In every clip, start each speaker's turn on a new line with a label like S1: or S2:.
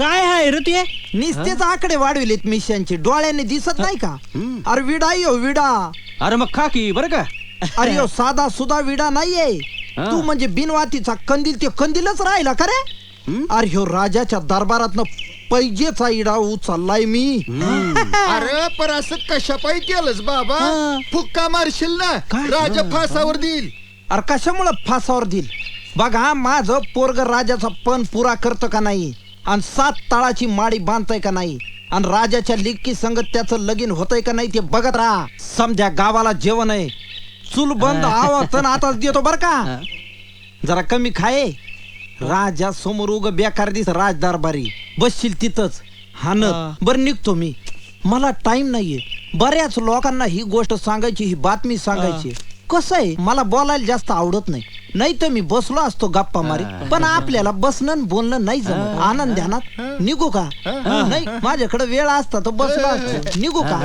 S1: काय आहे रे ते?
S2: निस्तेच आकडे वाढविलेत मिशनचे, डोळ्याने दिसत नाही का? अरे विडा यो विडा.
S1: अरे मग खा की बरं का.
S2: अरे यो साधा सुधा विडा नाहीये.
S1: हा.
S2: तू म्हणजे बिनवातीचा कंदील, ते कंदीलच राहिला का रे? अरे ह्यो राजाच्या दरबारातनं पैजेचा इडा उचललाय मी.
S3: अरे पर असं कशा पायी केलंस बाबा? फुक्का मारशील ना,
S2: काय?
S3: राजा फासावर देईल.
S2: अरे कशामुळं फासावर देईल? बघा माझं पोरग राजाचा पण पुरा करतं का नाही, आणि 7 तळाची माडी बांधतय का नाही, आणि राजाच्या लिक्की संगत त्याचं लगीन होतंय का नाही ते बघत राहा. समजा गावाला जेवण आहे, चूल बंद आवाज आताच देतो बर का. जरा कमी खाये. राजा समोर उग बेकार दिस राजदरबारी बसशील तिथंच हानत. बर निघतो मी, मला टाइम नाहीये. बऱ्याच लोकांना ही गोष्ट सांगायची, ही बातमी सांगायची. कसं आहे, मला बोलायला जास्त आवडत नाही. नाही तर मी बसलो असतो गप्पा मारी, पण आपल्याला बसणं आणि बोलणं नाही जमत. आनंद ध्यानात निघू का? नाही, माझ्याकडे वेळ असता तर बसलो असतो. निघू का?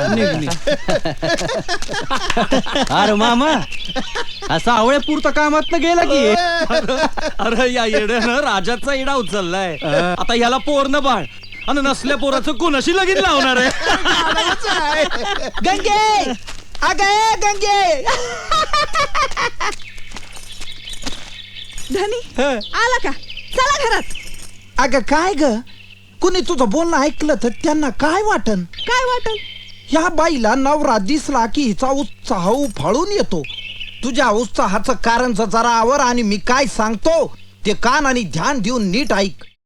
S1: अरे मामा असा आवळे पुरता कामात गेला की. अरे या येड्यानं राजाचा इडा उचललाय. आता याला पोरनं बाळ आणि नसल्या पोराचं कोणाशी लगीन लावणार आहे.
S2: गंगे, अगे गंगे.
S4: धनी आला का? चला घरात.
S2: अगं काय ग, कुणी तुझं बोलणं ऐकलं तर त्यांना काय वाटन?
S4: काय वाटल?
S2: ह्या बाईला नवरा दिसला की हिचा उत्साह उफाळून येतो. तुझ्या उत्साहाचं कारण जरा आवर, आणि मी काय सांगतो ते कान आणि ध्यान देऊन नीट ऐक.